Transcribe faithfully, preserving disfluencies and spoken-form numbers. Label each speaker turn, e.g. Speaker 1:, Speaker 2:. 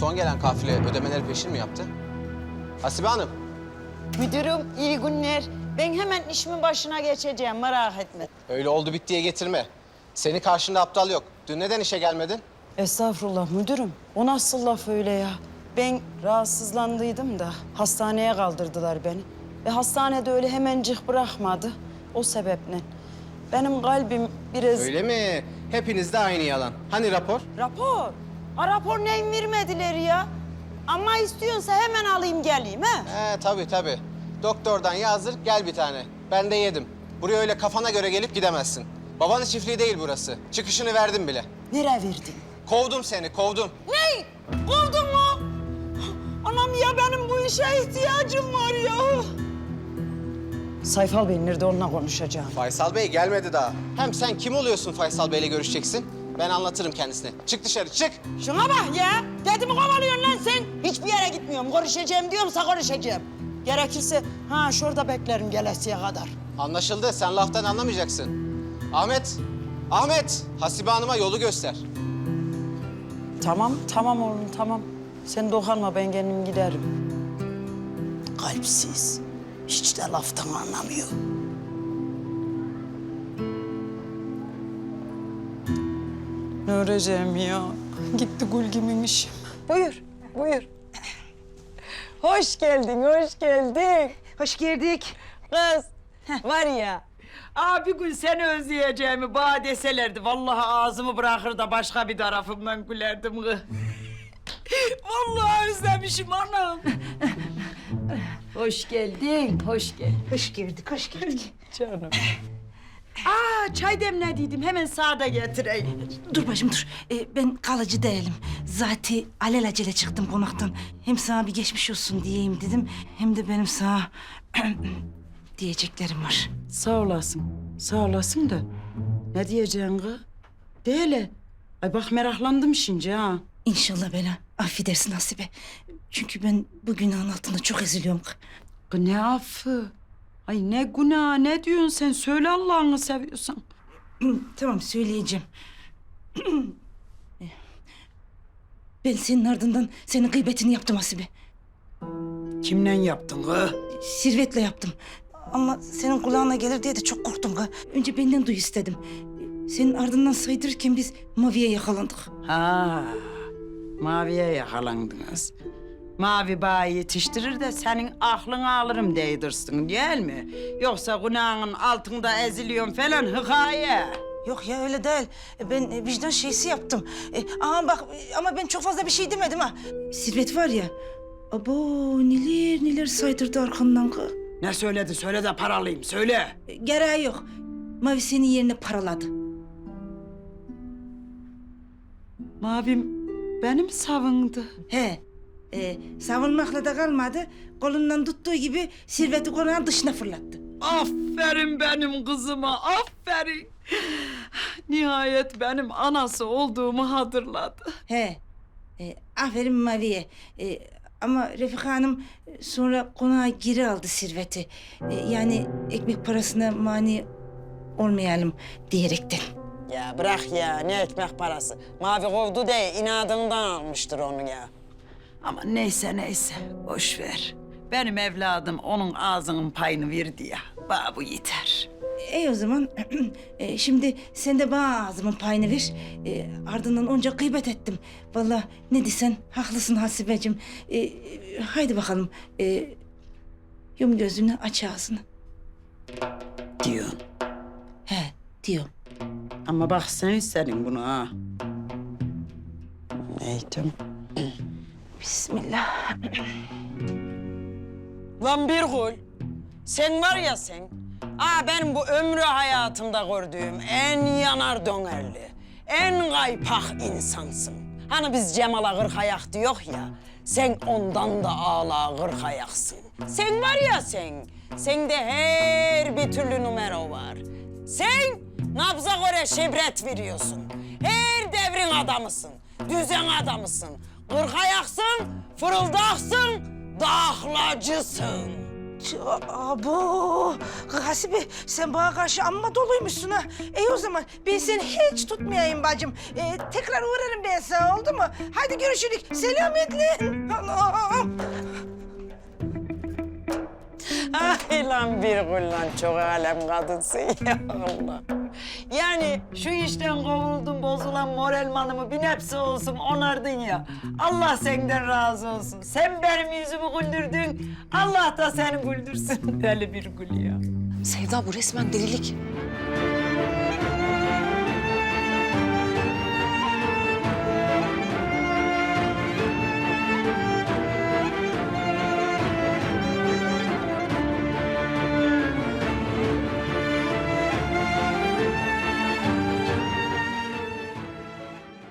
Speaker 1: Son gelen kafile ödemeleri peşin mi yaptı? Hasibe Hanım.
Speaker 2: Müdürüm iyi günler. Ben hemen işimin başına geçeceğim, merak etme.
Speaker 1: Öyle oldu bittiye getirme. Seni karşında aptal yok. Dün neden işe gelmedin?
Speaker 2: Estağfurullah müdürüm. O nasıl laf öyle ya? Ben rahatsızlandıydım da hastaneye kaldırdılar beni. Ve hastanede öyle hemencik bırakmadı. O sebeple. Benim kalbim biraz...
Speaker 1: Öyle mi? Hepinizde aynı yalan. Hani rapor?
Speaker 2: Rapor? Ha, rapor neyim vermediler ya? Ama istiyorsa hemen alayım geleyim ha?
Speaker 1: He tabii tabii. Doktordan yazdır gel bir tane. Ben de yedim. Buraya öyle kafana göre gelip gidemezsin. Babanın çiftliği değil burası. Çıkışını verdim bile.
Speaker 2: Nereye verdin?
Speaker 1: Kovdum seni, kovdum.
Speaker 2: Ne? Buldun mu? Anam ya benim bu işe ihtiyacım var ya. Sayfal Bey nerede onunla konuşacağım.
Speaker 1: Faysal Bey gelmedi daha. Hem sen kim oluyorsun Faysal Bey'le görüşeceksin? Ben anlatırım kendisine. Çık dışarı, çık.
Speaker 2: Şuna bak ya. Dedimi kovalıyorsun lan sen. Hiçbir yere gitmiyorum. Konuşacağım diyorumsa konuşacağım. Gerekirse ha şurada beklerim gelesiye kadar.
Speaker 1: Anlaşıldı, sen laftan anlamayacaksın. Ahmet, Ahmet, Hasibe Hanım'a yolu göster.
Speaker 2: Tamam, tamam oğlum tamam. Sen dokunma ben kendim giderim. Kalpsiz. Hiç de laftan anlamıyor. Ne öreceğim ya? Gitti Gülgim'in işi. Buyur, buyur. Hoş geldin, hoş geldin.
Speaker 3: Hoş geldik.
Speaker 2: Kız, var ya.
Speaker 4: Aa, bir gün seni özleyeceğimi bana deselerdi. Vallahi ağzımı bırakır da başka bir tarafımdan gülerdim kız. Vallahi özlemişim anam. Hoş geldin, hoş geldin.
Speaker 3: Hoş geldik, hoş geldik.
Speaker 2: Canım.
Speaker 4: Aa, çay demlediydim. Hemen sağda getireyim.
Speaker 3: Dur bacım dur. Ee, ben kalıcı değilim. Zaten alelacele çıktım konaktan. Hem sana bir geçmiş olsun diyeyim dedim. Hem de benim sana diyeceklerim var.
Speaker 2: Sağ olasın, sağ olasın da. Ne diyeceksin kız? De hele. Ay bak meraklandım şimdi ha.
Speaker 3: İnşallah beni affedersin Hasibe. Çünkü ben bu günahın altında çok eziliyorum.
Speaker 2: Kız ne affı? Ay ne günah, ne diyorsun sen? Söyle Allah'ını seviyorsan.
Speaker 3: Tamam söyleyeceğim. Ben senin ardından senin gıybetini yaptım Hasibe.
Speaker 2: Kimle yaptın kız?
Speaker 3: Sirvetle yaptım. Ama senin kulağına gelir diye de çok korktum. Ha. Önce benden duy istedim. Senin ardından saydırırken biz Mavi'ye yakalandık.
Speaker 2: Ha, Mavi'ye yakalandınız. Mavi bağı yetiştirir de senin aklını alırım değdirsin değil mi? Yoksa günahın altında eziliyorsun falan hikaye.
Speaker 3: Yok ya öyle değil. Ben e, vicdan şeysi yaptım. E, ama bak e, ama ben çok fazla bir şey demedim ha. Sirvet var ya. Abo neler neler saydırdı arkamdan. Ha.
Speaker 2: Ne söyledi? Söyle de paralıyım, söyle.
Speaker 3: E, gereği yok. Mavi senin yerine paraladı.
Speaker 2: Mavim benim savundu.
Speaker 3: He. E, savunmakla da kalmadı. Kolundan tuttuğu gibi Sirvet'i konağın dışına fırlattı.
Speaker 2: Aferin benim kızıma, aferin. Nihayet benim anası olduğumu hatırladı.
Speaker 3: He. E, aferin Mavi'ye. E, ama Refika Hanım e, sonra konağa geri aldı Sirvet'i. E, yani ekmek parasına mani olmayalım diyerekten.
Speaker 5: Ya bırak ya, ne ekmek parası. Mavi kovdu diye inadından almıştır onu ya.
Speaker 4: Ama neyse neyse, boş ver. Benim evladım onun ağzının payını verdi ya. Bana bu yeter.
Speaker 3: E o zaman e, şimdi sen de bana ağzımın payını ver. E, ardından onca gıybet ettim. Vallahi ne desen haklısın Hasibeciğim. E, e, haydi bakalım. E, yum gözünü aç ağzını.
Speaker 2: Diyorsun.
Speaker 3: He diyorum.
Speaker 2: Ama bak sen istedin bunu ha.
Speaker 5: Eğitim.
Speaker 3: Bismillah.
Speaker 5: Lan bir gül, sen var ya sen, aa benim bu ömrü hayatımda gördüğüm en yanar dönerli, en kaypak insansın. Hani biz Cemal'a kırk ayak diyor ya, sen ondan da ağla kırk ayaksın. Sen var ya sen, sende her bir türlü numara var. Sen nabza göre şibret veriyorsun. Her devrin adamısın, düzen adamısın. Kırk ayaksın, fırıldaksın, dağlacısın.
Speaker 3: Abo! Hasibe sen bana karşı amma doluymuşsun ha. İyi o zaman ben seni hiç tutmayayım bacım. Ee, tekrar uğrarım ben sana oldu mu? Hadi görüşürük. Selametle. Anam.
Speaker 5: Ay lan bir kullan çok alem kadınsın ya Allah. Yani şu işten kovuldun bozulan moralmanımı bir nebze olsun onardın ya. Allah senden razı olsun. Sen benim yüzümü güldürdün. Allah da seni güldürsün. Deli bir gül ya.
Speaker 6: Sevda bu resmen delilik.